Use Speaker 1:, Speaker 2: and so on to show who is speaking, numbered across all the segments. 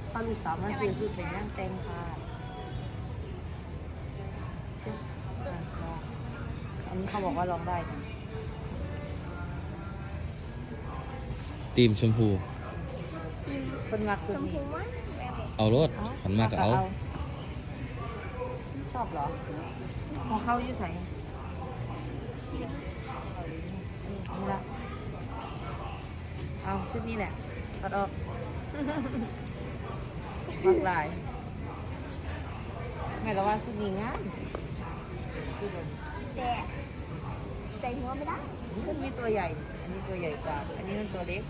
Speaker 1: พาลูกสาวมาซื้อสุดเป็นย่างเต็งค่ะลองอันนี้เขาบอกว่าลองได้นะ
Speaker 2: ตีมชมพู
Speaker 1: คนมัก
Speaker 3: ช
Speaker 1: สุด
Speaker 3: ม
Speaker 1: นี้
Speaker 3: พูมั้ง
Speaker 2: เอารถขันมากก็เอา
Speaker 1: ชอบเหรอของเขาอยู่ใส่นี่ละเอาชุดนี้แหละตัดออกมักลายแม่เราว่าชุดนี้งามชุดแบบ
Speaker 3: แต่ใส่หัวไม่ได้
Speaker 1: นี้มันมีตัวใหญ่ อันนี้ตัวใหญ่กว่า อันนี้มันตัวเล็ก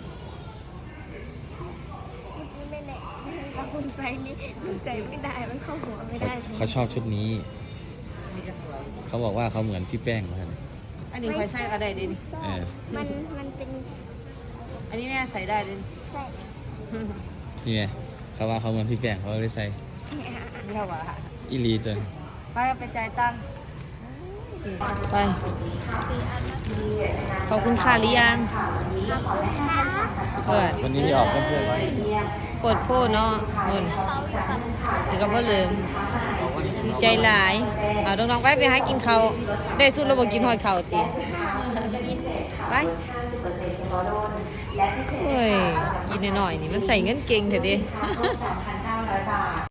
Speaker 3: เมื่อกี้ไม่แน่ถ้าคุณใส่นี่หนูใส่ไม่ได้มันเข้าหัวไม่ได้
Speaker 2: เขาชอบชุดนี้
Speaker 1: อันนี้ก็สวย
Speaker 2: เขาบอกว่าเขาเหมือนพี่แป้งเหมือนกัน
Speaker 1: อันนี้ใครใส่ก็ได้ดิ
Speaker 2: เออ
Speaker 3: มันเป็น
Speaker 1: อันนี้แม่ใส่ได้ดิ
Speaker 3: ใส่
Speaker 2: นี่ไงเขาว่าเขาเหมือนพี่แป้งเขาเลยใส่
Speaker 1: ไม่เท่าว่า
Speaker 2: อีลีตัว
Speaker 1: ไปเอาไปจ่ายตังค์ไปขอบคุณค่ะหรือยังเปิด
Speaker 2: วันนี้มีออกคอนเสิร์ตไว้
Speaker 1: เปิดโพดเนาะเงินถึงกับพ่อลืมดีใจหลายเอาน้องๆไปหากินเขาวได้สุดระบบกินหอยเข่าตีไปเฮ้ยกินหน่อยๆนี่มันใส่เงินเก่งเถอะดิ